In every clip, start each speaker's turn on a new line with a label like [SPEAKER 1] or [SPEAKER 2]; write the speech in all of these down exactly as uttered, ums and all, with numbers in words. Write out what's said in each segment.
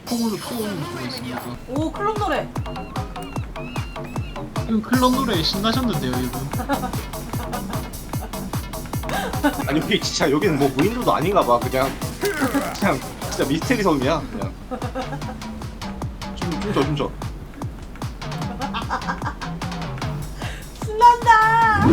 [SPEAKER 1] 콩으로 키워오는 수가 있습니다.
[SPEAKER 2] 오 클럽 노래.
[SPEAKER 1] 지금 클럽 노래에 신나셨는데요, 이분.
[SPEAKER 3] 아니 여기 진짜 여기는 뭐 무인도도 아닌가 봐. 그냥 그냥 진짜 미스테리 섬이야. 그냥. 춤 춤춰 춤춰.
[SPEAKER 2] 신난다.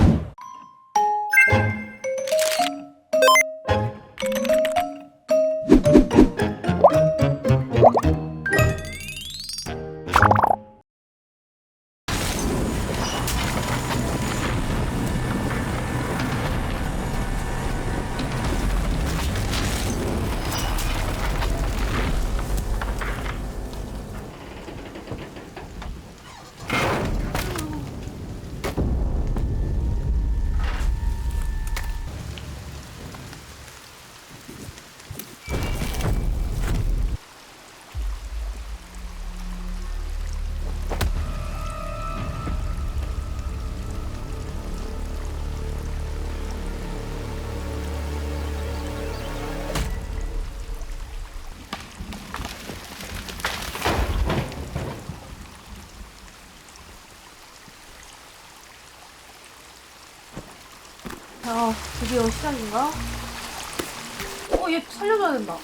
[SPEAKER 2] 자, 드디어 시작인가? 어, 얘 살려줘야 된다.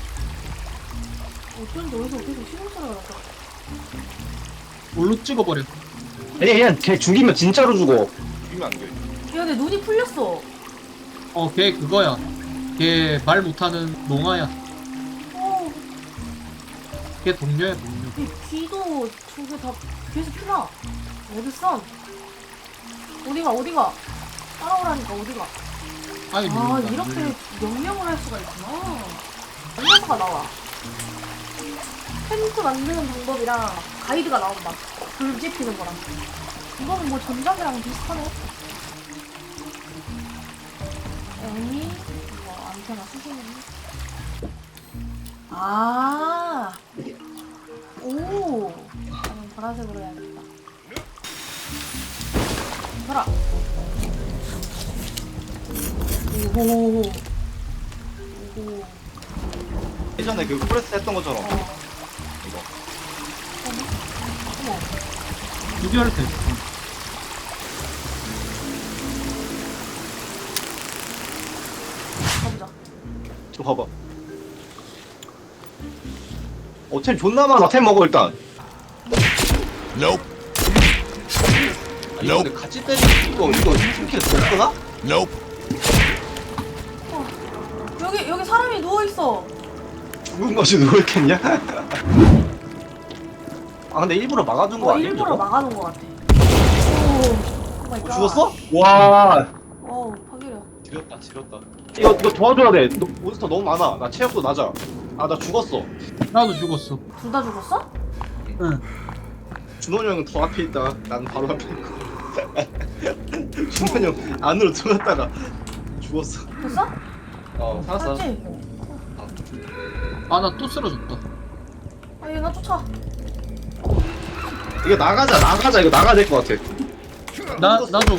[SPEAKER 2] 어쩐지 어디서 계속 시동소리가 나서.
[SPEAKER 1] 뭘로 찍어버려.
[SPEAKER 4] 아니 그냥 걔 죽이면 진짜로 죽어.
[SPEAKER 3] 죽이면 안 돼.
[SPEAKER 2] 야, 내 눈이 풀렸어.
[SPEAKER 1] 어, 걔 그거야. 걔 말 못하는 농아야.
[SPEAKER 2] 어,
[SPEAKER 1] 걔 동료야, 동료.
[SPEAKER 2] 이 귀도 두 개 다 귀에서 피나. 어딨어? 어디가, 어디가? 따라오라니까, 어디가?
[SPEAKER 1] 아니,
[SPEAKER 2] 아,
[SPEAKER 1] 모른다.
[SPEAKER 2] 이렇게 명령을 할 수가 있구나. 안녕사가 나와. 텐트 만드는 방법이랑 가이드가 나온다. 불 지피는 거랑. 이거는 뭐 전작이랑 비슷하네. 에이, 이거 안테나 수신이네. 아, 오, 나는 보라색으로 해야겠다. 가라. 오호. 오호.
[SPEAKER 3] 예전에 그 프레스 했던 것처럼.
[SPEAKER 2] 어.
[SPEAKER 3] 이거.
[SPEAKER 2] 어머.
[SPEAKER 1] 비교할 때.
[SPEAKER 2] 가보자.
[SPEAKER 3] 저 봐봐. 어, 템 존나 많아. 템 먹어 일단.
[SPEAKER 5] Nope.
[SPEAKER 3] 아니, 근데 같이 때리는 이거 이거 팀킬 없구나?
[SPEAKER 5] Nope.
[SPEAKER 2] 어. 여기 여기 사람이 누워 있어.
[SPEAKER 3] 죽은 것이 누구 있겠냐? 아 근데 일부러 막아둔 거
[SPEAKER 2] 어,
[SPEAKER 3] 아니야?
[SPEAKER 2] 일부러
[SPEAKER 3] 이거?
[SPEAKER 2] 막아놓은 것 같아. 오. 오 마이
[SPEAKER 3] 어,
[SPEAKER 2] 갓.
[SPEAKER 3] 죽었어?
[SPEAKER 4] 와.
[SPEAKER 2] 어, 파괴력.
[SPEAKER 3] 지렸다 지렸다. 이거 이거 도와줘야 돼. 너, 몬스터 너무 많아. 나 체력도 낮아. 아 나 죽었어.
[SPEAKER 1] 나도 죽었어.
[SPEAKER 2] 둘 다 죽었어?
[SPEAKER 1] 응.
[SPEAKER 3] 준원이 형은 더 앞에 있다. 난 바로 앞에 있고. 준원이 형 안으로 들어갔다가 죽었어.
[SPEAKER 2] 됐어?
[SPEAKER 3] 어 살았어.
[SPEAKER 2] 살았지?
[SPEAKER 1] 아, 나 또 쓰러졌다.
[SPEAKER 2] 아, 얘나 쫓아.
[SPEAKER 3] 이거 나가자 나가자 이거 나가야 될 것 같아.
[SPEAKER 1] 나, 나 좀.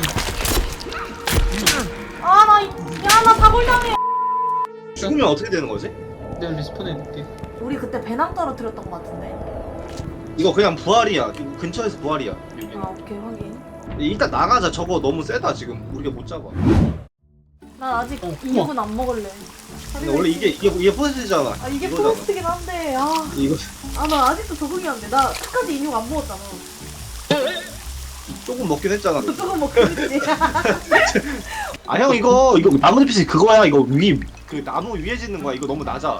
[SPEAKER 2] 아, 나, 이- 야, 나 다굴당해.
[SPEAKER 3] 죽으면 어떻게 되는 거지?
[SPEAKER 1] 내가 리스폰 해줄게.
[SPEAKER 2] 우리 그때 배낭 떨어뜨렸던 것 같은데.
[SPEAKER 3] 이거 그냥 부활이야. 이거 근처에서 부활이야. 여기.
[SPEAKER 2] 아, 오케이, 확인.
[SPEAKER 3] 일단 나가자. 저거 너무 세다 지금. 우리가 못 잡아.
[SPEAKER 2] 난 아직
[SPEAKER 1] 어,
[SPEAKER 2] 이 분 안 먹을래.
[SPEAKER 3] 근데 원래 이게 이게 이게 포스트잖아.
[SPEAKER 2] 아, 이게
[SPEAKER 3] 이거잖아.
[SPEAKER 2] 포스트긴 한데, 아.
[SPEAKER 3] 이거
[SPEAKER 2] 아, 나 아직도 적응이 안 돼. 나 끝까지 인육 안 먹었잖아.
[SPEAKER 3] 조금 먹긴 했잖아.
[SPEAKER 2] 조금 먹겠지.
[SPEAKER 3] 아 형 이거 이거 나무잎이 그거야. 이거 위 그 나무 위에 짓는 거야. 이거 너무 낮아.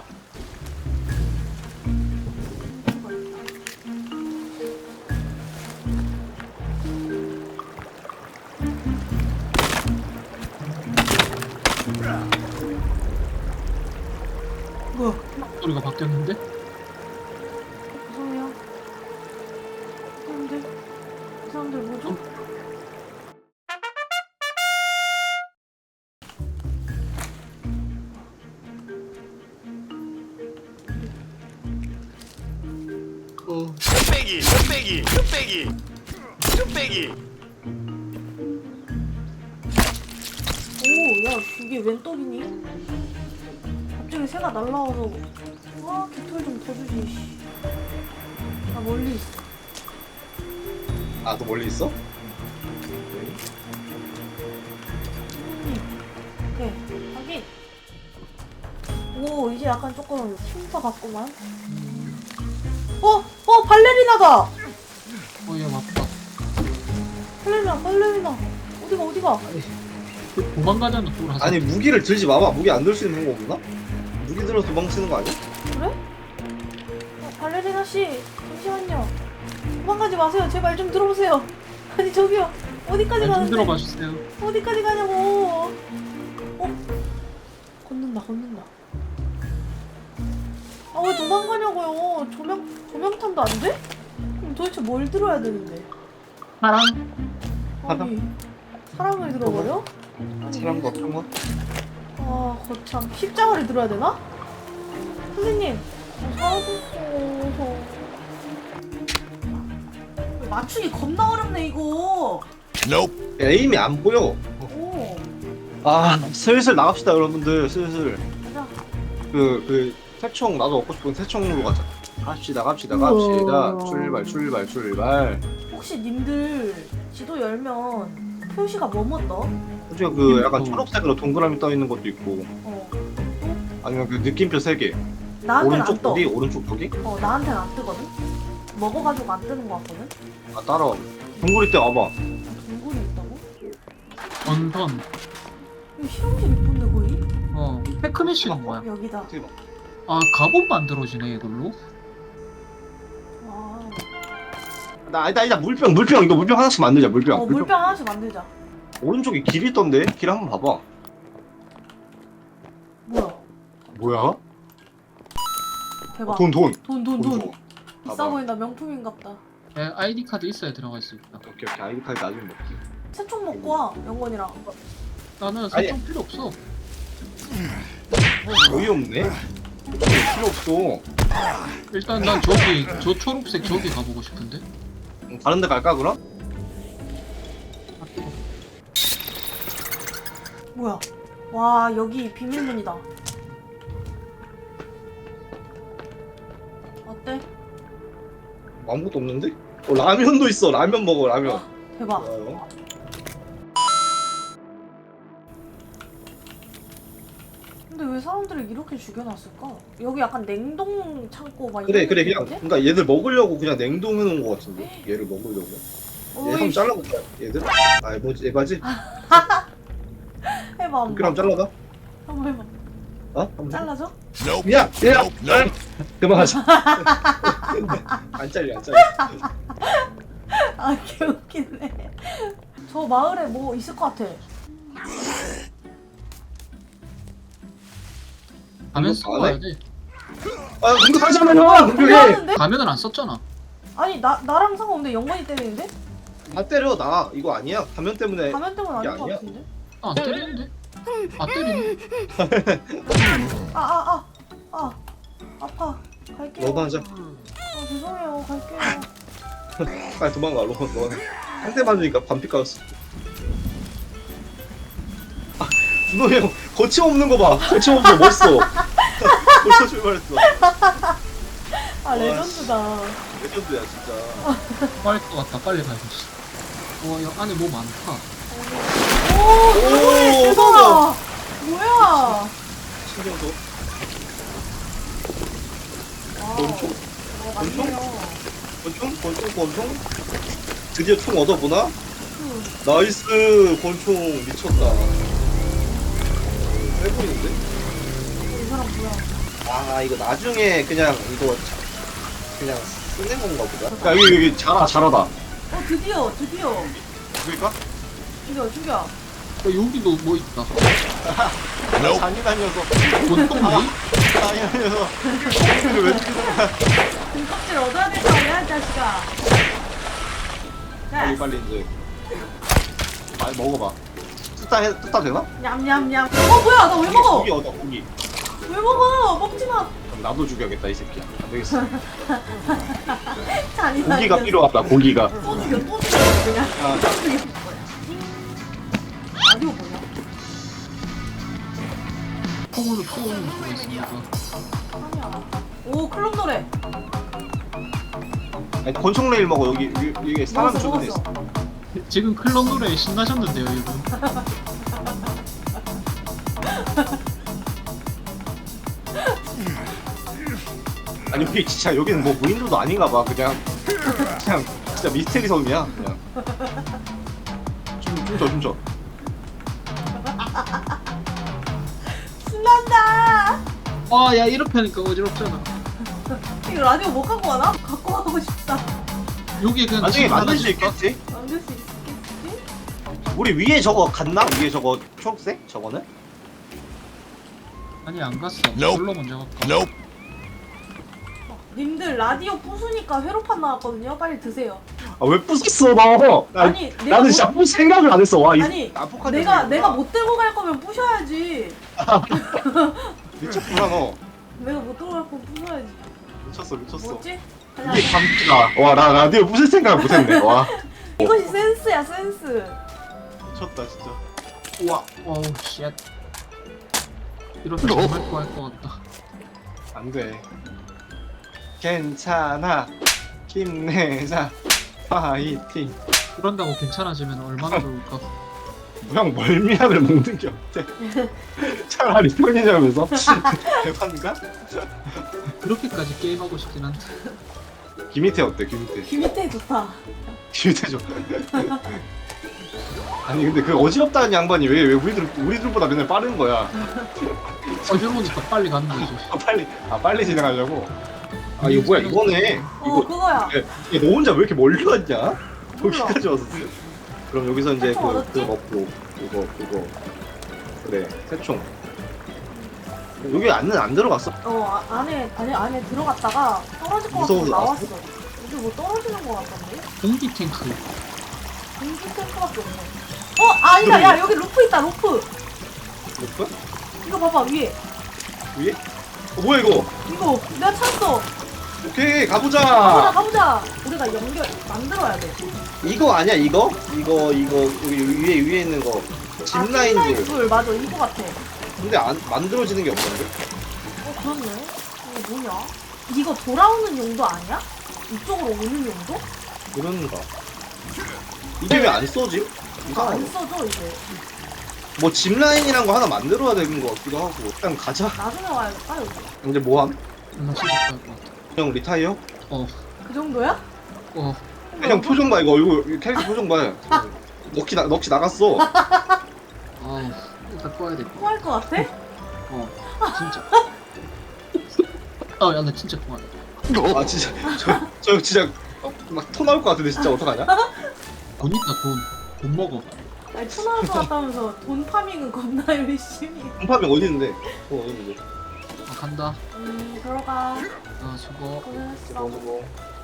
[SPEAKER 2] 뭐야?
[SPEAKER 1] 소리가 바뀌었는데?
[SPEAKER 2] 죄송해요. 사람들, 이 사람들 뭐죠?
[SPEAKER 3] 어.
[SPEAKER 5] 뚝배기, 뚝배기, 뚝배기, 뚝배기.
[SPEAKER 2] 오, 야, 이게 웬 떡이니? 갑자기 새가 날라와서 아, 깃털 좀 더 주지. 씨. 멀리 있어.
[SPEAKER 3] 아, 너 멀리 있어?
[SPEAKER 2] 네, 확인. 오, 이제 약간 조금 힘도 같구만. 어, 어, 발레리나다.
[SPEAKER 1] 어얘 맞다.
[SPEAKER 2] 발레리나, 발레리나. 어디가, 어디가?
[SPEAKER 1] 도망가잖아 돌아서.
[SPEAKER 3] 아니, 무기를 들지 마봐. 무기 안 들 수 있는 거 없나? 무기 들어서 도망치는 거 아니야?
[SPEAKER 2] 그래? 어, 발레리나 씨, 잠시만요. 도망가지 마세요. 제 말 좀 들어보세요. 아니 저기요, 어디까지
[SPEAKER 1] 좀
[SPEAKER 2] 가는데?
[SPEAKER 1] 들어봐 주세요.
[SPEAKER 2] 어디까지 가냐고. 어? 걷는다, 걷는다. 아, 왜 도망가냐고요? 조명, 조명탄도 안 돼? 그럼 도대체 뭘 들어야 되는데?
[SPEAKER 1] 사랑.
[SPEAKER 2] 아니, 사랑을 들어버려? 아니,
[SPEAKER 3] 사람도 없던 거?
[SPEAKER 2] 아, 거참. 십자가를 들어야 되나? 선생님, 저 사라졌어. 맞추기 겁나 어렵네, 이거.
[SPEAKER 5] Nope.
[SPEAKER 3] 에임이 안 보여.
[SPEAKER 2] 오,
[SPEAKER 3] 아, 슬슬 나갑시다, 여러분들. 슬슬.
[SPEAKER 2] 가자.
[SPEAKER 3] 그, 그, 새총, 나도 얻고 싶은 새총으로 가자. 갑시다, 갑시다, 갑시다.
[SPEAKER 2] 우와.
[SPEAKER 3] 출발, 출발, 출발.
[SPEAKER 2] 혹시 님들 지도 열면 표시가 뭐뭐 떠?
[SPEAKER 3] 그죠, 그 약간
[SPEAKER 1] 음.
[SPEAKER 3] 초록색으로 동그라미 떠 있는 것도 있고,
[SPEAKER 2] 어.
[SPEAKER 3] 아니면 그 느낌표 세 개.
[SPEAKER 2] 나한테는 안
[SPEAKER 3] 오른쪽
[SPEAKER 2] 떠.
[SPEAKER 3] 보기, 오른쪽 보기?
[SPEAKER 2] 어, 나한테는 안 뜨거든? 먹어가지고 안 뜨는 거 같거든?
[SPEAKER 3] 아, 따라와. 동굴이 때 와봐.
[SPEAKER 2] 동굴이 있다고?
[SPEAKER 1] 원선.
[SPEAKER 2] 이거 실험실 이쁜데 거의?
[SPEAKER 1] 어 테크니시는 뭐야?
[SPEAKER 2] 여기다.
[SPEAKER 3] 어떻게 봐.
[SPEAKER 1] 아 갑옷 만들어지네 이걸로.
[SPEAKER 2] 와.
[SPEAKER 3] 나, 아니다, 아니다, 물병, 물병. 이거 물병 하나씩 만들자, 물병.
[SPEAKER 2] 어, 물병 하나씩 만들자.
[SPEAKER 3] 오른쪽에 길이 있던데? 길 한번 봐봐.
[SPEAKER 2] 뭐야?
[SPEAKER 3] 뭐야?
[SPEAKER 2] 대박.
[SPEAKER 3] 돈, 돈.
[SPEAKER 2] 돈, 돈, 돈.
[SPEAKER 3] 줘.
[SPEAKER 2] 비싸
[SPEAKER 3] 봐봐.
[SPEAKER 2] 보인다. 명품인갑다.
[SPEAKER 1] 에, 아이디 카드 있어야 들어갈 수 있다.
[SPEAKER 3] 오케이, 오케이. 아이디 카드 나중에 먹게.
[SPEAKER 2] 새총 먹고 와, 영건이랑.
[SPEAKER 1] 나는
[SPEAKER 3] 아니.
[SPEAKER 1] 설정 필요 없어.
[SPEAKER 3] 어이없네? 필요 없어.
[SPEAKER 1] 일단 난 저기 저 초록색 저기 가보고 싶은데.
[SPEAKER 3] 응, 다른 데 갈까, 그럼?
[SPEAKER 2] 뭐야? 와, 여기 비밀문이다. 어때?
[SPEAKER 3] 아무것도 없는데? 어, 라면도 있어. 라면 먹어, 라면.
[SPEAKER 2] 와, 대박.
[SPEAKER 3] 좋아요.
[SPEAKER 2] 근데 왜 사람들을 이렇게 죽여놨을까? 여기 약간 냉동 창고 막
[SPEAKER 3] 그래,
[SPEAKER 2] 이런
[SPEAKER 3] 그래. 그냥,
[SPEAKER 2] 느낌인데?
[SPEAKER 3] 그러니까 얘들 먹으려고 그냥 냉동해놓은 거 같은데? 얘를 먹으려고. 얘 한번
[SPEAKER 2] 어이,
[SPEAKER 3] 잘라볼까? 얘들? 아, 뭐지? 에바지?
[SPEAKER 2] 해봐 한번.
[SPEAKER 3] 그럼 잘라봐.
[SPEAKER 2] 한번 해봐.
[SPEAKER 3] 어? 한번 해봐.
[SPEAKER 2] 잘라줘?
[SPEAKER 5] Nope.
[SPEAKER 3] 야! 야!
[SPEAKER 5] Nope. Nope.
[SPEAKER 3] 그만하자. 안 잘려, 안 잘려.
[SPEAKER 2] 아, 개웃기네. 저 마을에 뭐 있을 것 같아.
[SPEAKER 1] 가면
[SPEAKER 3] 이거
[SPEAKER 1] 쓰고
[SPEAKER 3] 안 해?
[SPEAKER 1] 와야 돼.
[SPEAKER 3] 아, 공격 다시 하면
[SPEAKER 2] 뭐야,
[SPEAKER 3] 형! 공격해!
[SPEAKER 2] 하는데?
[SPEAKER 1] 가면은 안 썼잖아.
[SPEAKER 2] 아니, 나, 나랑 상관없는데 영건이 때리는데?
[SPEAKER 3] 나 때려, 나. 이거 아니야. 가면 때문에.
[SPEAKER 2] 가면 때문
[SPEAKER 3] 이게
[SPEAKER 2] 아닌 것
[SPEAKER 3] 아니야?
[SPEAKER 2] 같은데?
[SPEAKER 1] 아, 안 때리는데? 아 때리네.
[SPEAKER 2] 아, 아, 아, 아. 아파. 갈게요.
[SPEAKER 3] 너도 하자.
[SPEAKER 2] 아, 죄송해요. 갈게요.
[SPEAKER 3] 빨리 도망가, 로. 너는. 한 대 맞으니까 반피 까였어. 아, 준호 형, 거침없는 거 봐. 거침없는 거 멋있어. 벌써 출발했어.
[SPEAKER 2] 아, 레전드다.
[SPEAKER 3] 레전드야, 진짜.
[SPEAKER 1] 빨리 것 같다. 빨리 가야겠어. 와, 여 안에 뭐 많다.
[SPEAKER 2] 오, 대박이야,
[SPEAKER 3] 오,
[SPEAKER 2] 대박. 뭐야?
[SPEAKER 3] 신경 써.
[SPEAKER 2] 와.
[SPEAKER 3] 권총?
[SPEAKER 2] 어, 맞네요.
[SPEAKER 3] 권총? 권총? 권총? 드디어 총 얻어보나?
[SPEAKER 2] 그,
[SPEAKER 3] 나이스! 권총 미쳤다. 해보이는데?
[SPEAKER 2] 이 사람 뭐야?
[SPEAKER 3] 아, 이거 나중에 그냥 이거 자- 그냥 쓰는 건가 보다. 야, 여기, 여기 자라, 자라다.
[SPEAKER 2] 어, 드디어, 드디어.
[SPEAKER 3] 그러니까?
[SPEAKER 2] 죽여, 죽여.
[SPEAKER 1] 야, 여기도 뭐 있다.
[SPEAKER 5] Nope.
[SPEAKER 3] 잔인한 녀석.
[SPEAKER 1] 돈동리?
[SPEAKER 3] 잔인한 녀석. 이걸 왜 죽이는 거야?
[SPEAKER 2] 등껍질 얻어야 될 거 아니야, 이 자식아.
[SPEAKER 3] 빨리,
[SPEAKER 2] 자,
[SPEAKER 3] 빨리 이제. 많이 먹어봐. 뜯다, 해, 뜯다 되나?
[SPEAKER 2] 냠냠냠. 어, 뭐야? 나 왜 먹어?
[SPEAKER 3] 고기 얻어, 고기.
[SPEAKER 2] 왜 먹어? 먹지 마.
[SPEAKER 3] 그럼 나도 죽여야겠다, 이 새끼야. 안 되겠어.
[SPEAKER 2] 잔인한
[SPEAKER 3] 고기가
[SPEAKER 2] 녀석.
[SPEAKER 3] 필요하다, 고기가.
[SPEAKER 2] 또 죽여, 또 죽여, 그냥.
[SPEAKER 3] 아,
[SPEAKER 2] 라디오 뭐냐?
[SPEAKER 1] 콩으로 키우는 수가 있습니다.
[SPEAKER 2] 아니야. 오, 클럽 노래.
[SPEAKER 3] 아니, 권총 레일 먹어. 여기 위, 위에 사람
[SPEAKER 2] 먹었어,
[SPEAKER 3] 주변에 있어.
[SPEAKER 2] 먹었어.
[SPEAKER 1] 지금 클럽 노래에 신나셨는데요, 이분.
[SPEAKER 3] 아니 여기 진짜 여기는 뭐 무인도도 아닌가 봐. 그냥 그냥 진짜 미스테리 섬이야. 그냥. 좀 좀 줘, 좀 줘.
[SPEAKER 2] 신난다.
[SPEAKER 1] 아, 야, 이렇게 하니까 어지럽잖아.
[SPEAKER 2] 이거 라디오 못 갖고 가나? 갖고 가고 싶다.
[SPEAKER 1] 여기 그냥
[SPEAKER 3] 나중에
[SPEAKER 1] 집
[SPEAKER 3] 만들 수
[SPEAKER 1] 하나
[SPEAKER 3] 있겠지?
[SPEAKER 2] 만들 수 있겠지?
[SPEAKER 3] 우리 위에 저거 갔나? 위에 저거 초록색? 저거는?
[SPEAKER 1] 아니, 안 갔어.
[SPEAKER 5] Nope.
[SPEAKER 1] 솔로 먼저 갈까?
[SPEAKER 5] Nope.
[SPEAKER 2] 님들 라디오 부수니까 회로판 나왔거든요. 빨리 드세요.
[SPEAKER 3] 아 왜 부쉈어 너? 나,
[SPEAKER 2] 아니, 내가
[SPEAKER 3] 나는
[SPEAKER 2] 못-
[SPEAKER 3] 진짜 부술 생각을 안 했어. 와 이.
[SPEAKER 2] 아니
[SPEAKER 3] 아포칼립스
[SPEAKER 2] 내가
[SPEAKER 3] 이거구나.
[SPEAKER 2] 내가 못 들고 갈 거면 부셔야지.
[SPEAKER 3] 미쳤구나 너.
[SPEAKER 2] 내가 못 들고 갈 거면 부셔야지.
[SPEAKER 3] 미쳤어 미쳤어.
[SPEAKER 2] 뭐지?
[SPEAKER 3] 이게 감기다. 와나 라디오 부술 생각을 못했네. 와
[SPEAKER 2] 이것이 센스야 센스.
[SPEAKER 3] 미쳤다 진짜.
[SPEAKER 1] 우와, 어우, 쉣. 이러면 정말 좋아할 것 같다.
[SPEAKER 3] 안 돼. 괜찮아. 힘내자. 파이팅.
[SPEAKER 1] 그런다고 괜찮아지면 얼마나 좋을까.
[SPEAKER 3] 그냥 멀미약을 먹는 게 어때? 차라리 편의점에서 대판가?
[SPEAKER 1] 그렇게까지 게임하고 싶긴 한데.
[SPEAKER 3] 김희태 어때? 김희태.
[SPEAKER 2] 귀 밑에 좋다.
[SPEAKER 3] 김희태 좀. 아니 근데 그 어지럽다는 양반이 왜 왜 우리들 우리들보다 맨날 빠른 거야?
[SPEAKER 1] 어지러우니까 빨리 가는 거지.
[SPEAKER 3] 아 빨리 아 빨리 진행하려고. 아 이거 뭐야 이거네.
[SPEAKER 2] 어
[SPEAKER 3] 이거
[SPEAKER 2] 그거야.
[SPEAKER 3] 야, 너 혼자 왜 이렇게 멀리 왔냐?
[SPEAKER 2] 몰라.
[SPEAKER 3] 여기까지 왔었어. 그럼 여기서 이제
[SPEAKER 2] 새총
[SPEAKER 3] 그,
[SPEAKER 2] 얻었지?
[SPEAKER 3] 그 먹고 이거 이거 그래 새총. 여기 안은 안 들어갔어.
[SPEAKER 2] 어 아, 안에 안에 안에 들어갔다가 떨어질 것 같아서
[SPEAKER 3] 무서워서
[SPEAKER 2] 나왔어. 여기 뭐 떨어지는 것 같던데?
[SPEAKER 1] 공기 탱크.
[SPEAKER 2] 공기 탱크밖에 없네. 어 아니다 야 여기 루프 있다 루프.
[SPEAKER 3] 뭐야?
[SPEAKER 2] 이거 봐봐 위에.
[SPEAKER 3] 위에? 어 뭐야 이거?
[SPEAKER 2] 이거 내가 찾았어.
[SPEAKER 3] 오케이
[SPEAKER 2] 가보자
[SPEAKER 3] 가보자.
[SPEAKER 2] 가보자. 우리가 연결 만들어야 돼.
[SPEAKER 3] 이거 아니야 이거? 이거 이거 여기 위에 위에 있는 거
[SPEAKER 2] 아,
[SPEAKER 3] 짚라인 줄.
[SPEAKER 2] 줄 맞아 이거 같아.
[SPEAKER 3] 근데 안 만들어지는 게 없는데?
[SPEAKER 2] 어 그렇네. 이거 뭐냐? 이거 돌아오는 용도 아니야? 이쪽으로 오는 용도?
[SPEAKER 3] 그런가? 이게 왜 안 써지?
[SPEAKER 2] 이거 안
[SPEAKER 3] 이상하네.
[SPEAKER 2] 써져 이제.
[SPEAKER 3] 뭐 짚라인이란 거 하나 만들어야 되는 거 같기도 하고. 일단 가자.
[SPEAKER 2] 나중에 와야겠다 여기.
[SPEAKER 3] 이제 뭐함?
[SPEAKER 1] 나 진짜 좋아할 것 같아.
[SPEAKER 3] 형 리타이어?
[SPEAKER 1] 어,
[SPEAKER 2] 그 정도야?
[SPEAKER 1] 어.
[SPEAKER 3] 형 표정 봐 이거 이거 이거 캐릭터 표정 봐. 넋이 나 넋이 나갔어.
[SPEAKER 1] 아우, 일단 꺼야 돼.
[SPEAKER 2] 토할 것 같아?
[SPEAKER 1] 어, 진짜. 어, 야, 나 진짜 통하네.
[SPEAKER 3] 아 진짜 저 저 진짜 막 토 나올 것 같은데 진짜 어떡하냐?
[SPEAKER 1] 돈 있다, 돈. 돈 먹어.
[SPEAKER 2] 아니 토나올 것 같다면서 돈 파밍은 겁나 열심히.
[SPEAKER 3] 공파병 어디 있는데? 어 어디 있는데?
[SPEAKER 1] 아, 간다.
[SPEAKER 2] 음 들어가.
[SPEAKER 1] 아, 수고.
[SPEAKER 2] 고생했어.
[SPEAKER 3] 저거 저거.